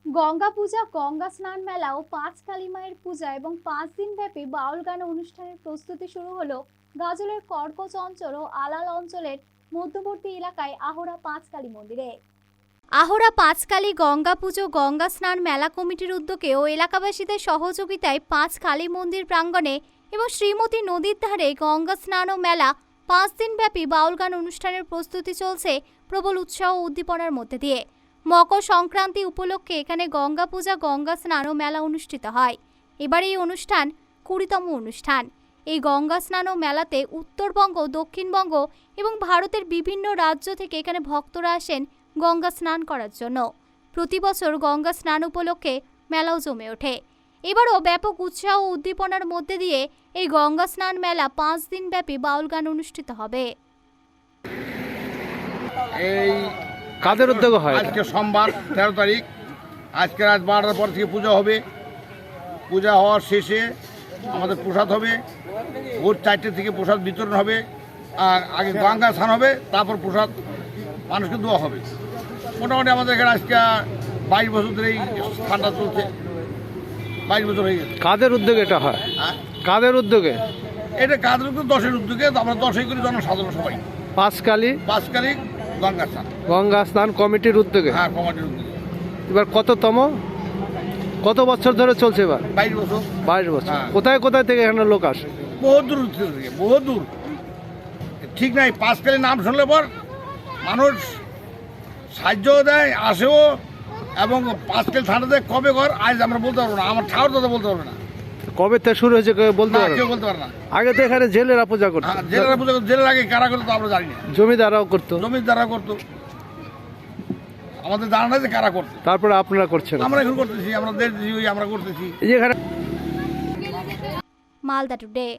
গঙ্গা পূজা, গঙ্গা স্নান মেলা ও পাঁচ কালী মায়ের পূজা এবং 5 দিন ব্যাপী বাউল গান অনুষ্ঠানের প্রস্তুতি শুরু হলো গাজলের কর্কচ অঞ্চল ও আলাল অঞ্চলের মধ্যবর্তী এলাকায় আহরা পাঁচ কালী মন্দিরে। আহরা পাঁচকালী গঙ্গা পুজো গঙ্গা স্নান মেলা কমিটির উদ্যোগে ও এলাকাবাসীদের সহযোগিতায় পাঁচ কালী মন্দির প্রাঙ্গণে এবং শ্রীমতী নদীর ধারে গঙ্গা স্নান ও মেলা 5 দিন ব্যাপী বাউল গান অনুষ্ঠানের প্রস্তুতি চলছে প্রবল উৎসাহ ও উদ্দীপনার মধ্যে দিয়ে। মকর সংক্রান্তি উপলক্ষে এখানে গঙ্গা পূজা গঙ্গা স্নান ও মেলা অনুষ্ঠিত হয়। এবার এই অনুষ্ঠান 20তম অনুষ্ঠান। এই গঙ্গা স্নান ও মেলাতে উত্তরবঙ্গ, দক্ষিণবঙ্গ এবং ভারতের বিভিন্ন রাজ্য থেকে এখানে ভক্তরা আসেন গঙ্গা স্নান করার জন্য। প্রতি বছর গঙ্গা স্নান উপলক্ষে মেলাও জমে ওঠে। এবারও ব্যাপক উৎসাহ ও উদ্দীপনার মধ্যে দিয়ে এই গঙ্গা স্নান মেলা 5 দিন ব্যাপী বাউল গান অনুষ্ঠিত হবে। এই কাদের উদ্যোগে হয়? আজকে সোমবার 13 তারিখ, আজকে রাত 12টার পর থেকে পূজা হবে। পূজা হওয়ার শেষে আমাদের প্রসাদ হবে। ভোর 4টে থেকে প্রসাদ বিতরণ হবে। আর আগে গঙ্গা স্নান হবে, তারপর প্রসাদ মানুষকে দেওয়া হবে। মোটামুটি আমাদের এখানে আজকে 22 বছর ধরে এই স্থানটা চলছে। 22 বছর হয়ে গেছে। কাদের উদ্যোগে এটা হয়? হ্যাঁ, কাদের উদ্যোগে? এটা কাদের উদ্যোগে? 10-এর উদ্যোগে। তো আমরা 10-এই করি জনসাধারণ সবাই। পাঁচকালী 5 তারিখ গঙ্গা স্নান। গঙ্গা স্নান কমিটির উদ্যোগে। হ্যাঁ, কমিটির উদ্যোগে। এবার কত বছর ধরে চলছে? এবার 22 বছর। 22 বছর। হ্যাঁ। কোথায় কোথায় থেকে এখানে লোক আসে? বহু দূর থেকে, বহু দূর। ঠিক নাই, পাঁচকালী নাম শুনলে পর মানুষ সাহায্যও দেয়, আসেও। এবং পাঁচকালী থানাতে কবে ঘর আজ আমরা বলতে পারবো না, আমার ঠাকুর দাদা বলতে পারবে না। কবে থেকে শুরু হয়েছে কেউ বলতে না, পারে? কেউ বলতে পারে না। আগে তো এখানে জেলেরা পূজা করতো। হ্যাঁ, জেলেরা পূজা করতো। জেলের আগে কারা করতো আমরা জানি না। জমিদাররাও করতো। জমির দ্বারা করতো, আমাদের জানা নাই যে কারা করতো। তারপরে আপনারা করছেন। আমরা এখন করতেছি, আমরা দেশ আমরা করতেছি। এই যে এখানে মালদা টুডে।